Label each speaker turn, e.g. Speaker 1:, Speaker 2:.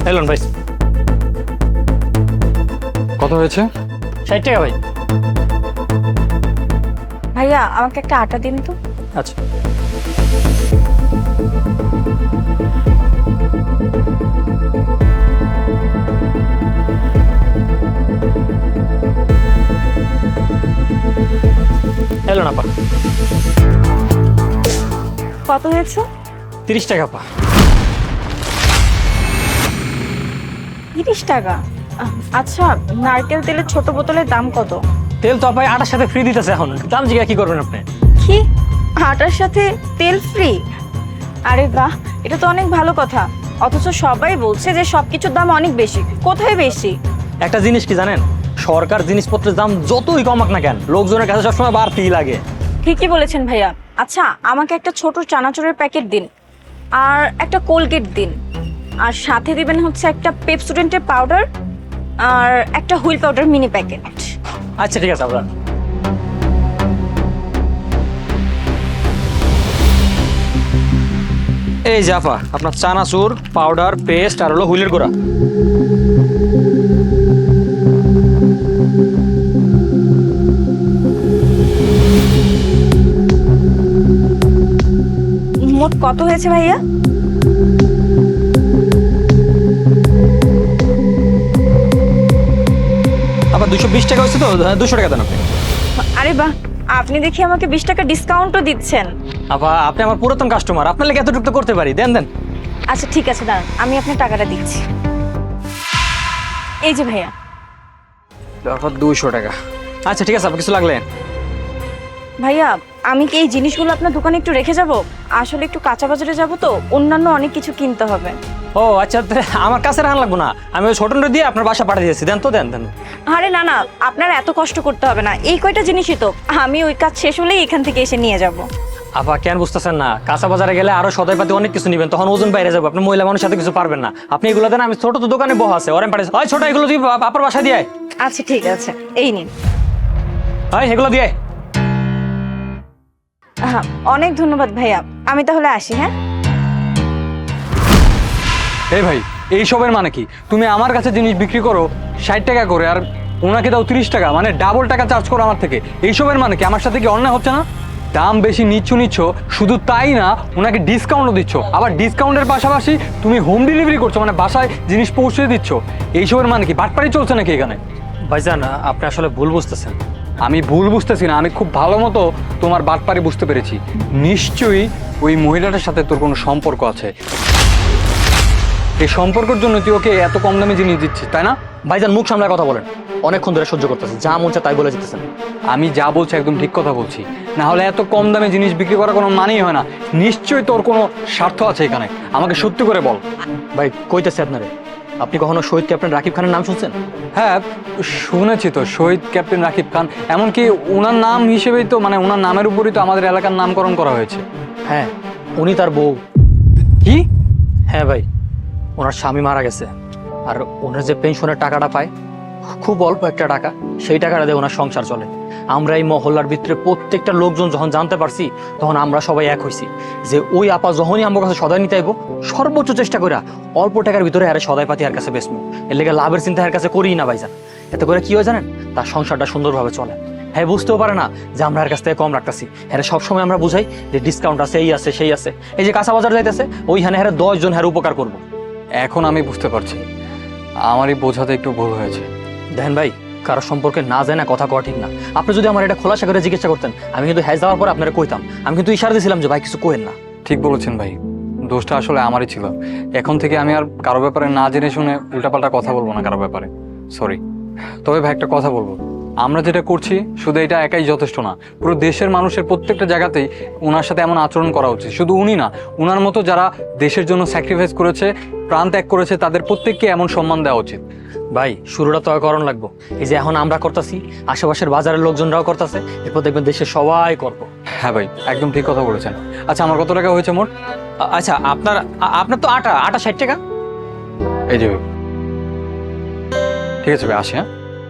Speaker 1: Elon ভাই,
Speaker 2: কত হয়েছে?
Speaker 1: 60 টাকা ভাই।
Speaker 3: ভাইয়া আমাকে একটা আটা দিন তো।
Speaker 1: আচ্ছা, এলন আপা,
Speaker 3: কত হয়েছে?
Speaker 1: 30 টাকা আপা।
Speaker 3: 30 টাকা? আচ্ছা, নারকেল তেলের ছোট বোতলের দাম কত?
Speaker 1: তেল তো আপা আটার সাথে ফ্রি দিতেছে, এখন দাম জিজ্ঞা কি করবেন আপনি?
Speaker 3: কি, আটার সাথে তেল ফ্রি? আরে বাহ, এটা তো অনেক ভালো কথা। অথচ সবাই বলছে যে সবকিছুর দাম অনেক বেশি। কোথায় বেশি?
Speaker 1: একটা জিনিস কি জানেন, সরকার জিনিসপত্রের দাম যতই কমাক না কেন, লোকজনের কাছে সবসময় বাড়তিই লাগে।
Speaker 3: ঠিকই বলেছেন ভাইয়া। আচ্ছা, আমাকে একটা ছোট চানাচুরের প্যাকেট দিন, আর একটা কোলগেট দিন, আর সাথে দিবেন হচ্ছে একটা পেপসোডেন্টের পাউডার, আর একটা হুইল পাউডার মিনি প্যাকেট।
Speaker 1: আচ্ছা ঠিক আছে আপনার। এই জাফা, আপনার চানাচুর, পাউডার, পেস্ট আর হলো হুইলের গুঁড়া।
Speaker 3: মোট কত হয়েছে ভাইয়া?
Speaker 1: আবার 220 টাকা হচ্ছে তো, 200 টাকা দেন আপনি।
Speaker 3: আরে বাহ, আপনি দেখি আমাকে 20 টাকা ডিসকাউন্টও দিচ্ছেন।
Speaker 1: আপা আপনি আমার পুরাতন কাস্টমার, আপনার লেগে এতটুকু তো করতে পারি, দেন দেন।
Speaker 3: আচ্ছা ঠিক আছে, দাঁড়ান আমি আপনার টাকাটা দিচ্ছি। এই যে ভাইয়া।
Speaker 1: তারপর 200 টাকা। আচ্ছা ঠিক আছে, আপনার কিছু লাগলে?
Speaker 3: ভাইয়া, আমি কি এই জিনিসগুলো আপনার দোকানে একটু রেখে যাব? আসলে একটু কাঁচা বাজারে যাব তো, অন্যান্য অনেক কিছু কিনতে হবে।
Speaker 1: ও আচ্ছা, আমার কাছে রাখা লাগবো না, আমি ওই ছোটনটা দিয়ে আপনার বাসা পাঠিয়ে দিয়েছি, দেন তো, দেন দেন।
Speaker 3: আরে না না, আপনার এত কষ্ট করতে হবে না, এই কয়টা জিনিসই তো, আমি ওই কাজ শেষ হলেই এখান থেকে এসে নিয়ে যাব।
Speaker 1: আপা কেন বুঝতেছেন না, কাঁচা বাজারে গেলে আরো সদাইপাতি অনেক কিছু নিবেন, তখন ওজন বাইরে যাবে, আপনি মহিলা মানুষের সাথে কিছু পারবেন না। আপনি এগুলো দেন, আমি ছোট তো দোকানে বহ আছে ওরেন পাঠিয়ে, হয় ছোট এগুলো তুই আপনার বাসা দিয়ে আয়।
Speaker 3: আচ্ছা ঠিক আছে, এই নিন।
Speaker 1: হয় এগুলো দিয়ে আয়।
Speaker 3: হ্যাঁ, অনেক ধন্যবাদ ভাইয়া, আমি তাহলে আসি। হ্যাঁ
Speaker 2: এই ভাই, এইসবের মানে কি? তুমি আমার কাছে জিনিস বিক্রি করো 60 টাকা করে, আর ওনাকে দাও 30 টাকা, মানে ডাবল টাকা চার্জ করো আমার থেকে। এইসবের মানে কি? আমার সাথে কি অন্যায় হচ্ছে না? দাম বেশি নিচ্ছ, শুধু তাই না, ওনাকে ডিসকাউন্টও দিচ্ছ। আবার ডিসকাউন্টের পাশাপাশি তুমি হোম ডেলিভারি করছো, মানে বাসায় জিনিস পৌঁছে দিচ্ছ। এইসবের মানে কি? বাটপাড়ি চলছে নাকি এখানে?
Speaker 1: ভাইজান আপনি আসলে ভুল বুঝতেছেন।
Speaker 2: আমি ভুল বুঝতেছি না, আমি খুব ভালো মতো তোমার বাটপাড়ি বুঝতে পেরেছি। নিশ্চয়ই ওই মহিলাটার সাথে তোর কোনো সম্পর্ক আছে। এই সম্পর্কের জন্য তুই ওকে এত কম দামে জিনিস দিচ্ছিস, তাই না?
Speaker 1: ভাইজান মুখ সামলায় কথা বলেন, অনেকক্ষণ ধরে সহ্য করতেছি, যা মন চায় তাই বলে যেতেছেন।
Speaker 2: আমি যা বলছি একদম ঠিক কথা বলছি, না হলে এত কম দামে জিনিস বিক্রি করার কোনো মানেই হয় না। নিশ্চয়ই তোর কোনো স্বার্থ আছে এখানে, আমাকে সত্যি করে বল।
Speaker 1: ভাই কইতেছে আপনারে, আপনি কখনো শহীদ ক্যাপ্টেন রাকিব খানের নাম শুনছেন?
Speaker 2: হ্যাঁ শুনেছি তো, শহীদ ক্যাপ্টেন রাকিব খান। এমনকি ওনার নাম হিসেবেই তো, মানে ওনার নামের উপরই তো আমাদের এলাকার নামকরণ করা হয়েছে।
Speaker 1: হ্যাঁ, উনি তার বউ।
Speaker 2: কি?
Speaker 1: হ্যাঁ ভাই, ওনার স্বামী মারা গেছে, আর ওনার যে পেনশনের টাকাটা পায়, খুব অল্প একটা টাকা, সেই টাকাটা দিয়ে ওনার সংসার চলে। আমরা এই মহল্লার ভিতরে প্রত্যেকটা লোকজন যখন জানতে পারছি, তখন আমরা সবাই এক হইছি যে ওই আপা যখনই আমার কাছে সদাই নিতে আইব, সর্বোচ্চ চেষ্টা করে অল্প টাকার ভিতরে আরে সদাই পাতি আর কাছে বেচবো। এর লেগে লাভের চিন্তা এর কাছে করি না ভাইজান। এতে করে কি হয় জানেন, তার সংসারটা সুন্দরভাবে চলে। হ্যাঁ, বুঝতেও পারে না যে আমরা এর কাছ থেকে কম রাখতেছি। হ্যাঁ, সবসময় আমরা বুঝাই যে ডিসকাউন্ট আছে, এই আছে সেই আছে। এই যে কাঁচা বাজার যাইতেছে, ওইখানে হ্যাঁ 10 জন হ্যাঁ উপকার করবো।
Speaker 2: এখন আমি বুঝতে পারছি, আমারই বোঝাতে একটু ভুল হয়েছে।
Speaker 1: দেখেন ভাই, কারো সম্পর্কে না যায় না কথা কওয়া ঠিক না। আপনি যদি আমার এটা খোলাসা করে জিজ্ঞাসা করতেন, আমি কিন্তু হ্যাঁ যাওয়ার পর আপনারা কইতাম। আমি কিন্তু ইশারা দিয়েছিলাম যে ভাই কিছু কইেন না।
Speaker 2: ঠিক বলেছেন ভাই, দোষটা আসলে আমারই ছিল। এখন থেকে আমি আর কারো ব্যাপারে না জেনে শুনে উল্টাপাল্টা কথা বলবো না কারো ব্যাপারে, সরি। তবে ভাই একটা কথা বলবো, আমরা যেটা করছি শুধু এটা একাই যথেষ্ট না, পুরো দেশের মানুষের প্রত্যেকটা জায়গাতেই ওনার সাথে এমন আচরণ করা উচিত। শুধু উনি না, ওনার মতো যারা দেশের জন্য স্যাক্রিফাইস করেছে, প্রাণ ত্যাগ করেছে, তাদের প্রত্যেককে এমন সম্মান দেওয়া উচিত।
Speaker 1: ভাই শুরুটা তো করণ লাগবো, এই যে এখন আমরা করতেছি, আশেপাশের বাজারের লোকজনরাও করতেছে, এরপর দেখবেন দেশের সবাই করবো।
Speaker 2: হ্যাঁ ভাই, একদম ঠিক কথা বলেছেন। আচ্ছা, আমার কত টাকা হয়েছে মোট?
Speaker 1: আচ্ছা, আপনার তো আটা 60 টাকা।
Speaker 2: এই যে ঠিক আছে ভাই, আসি। হ্যাঁ।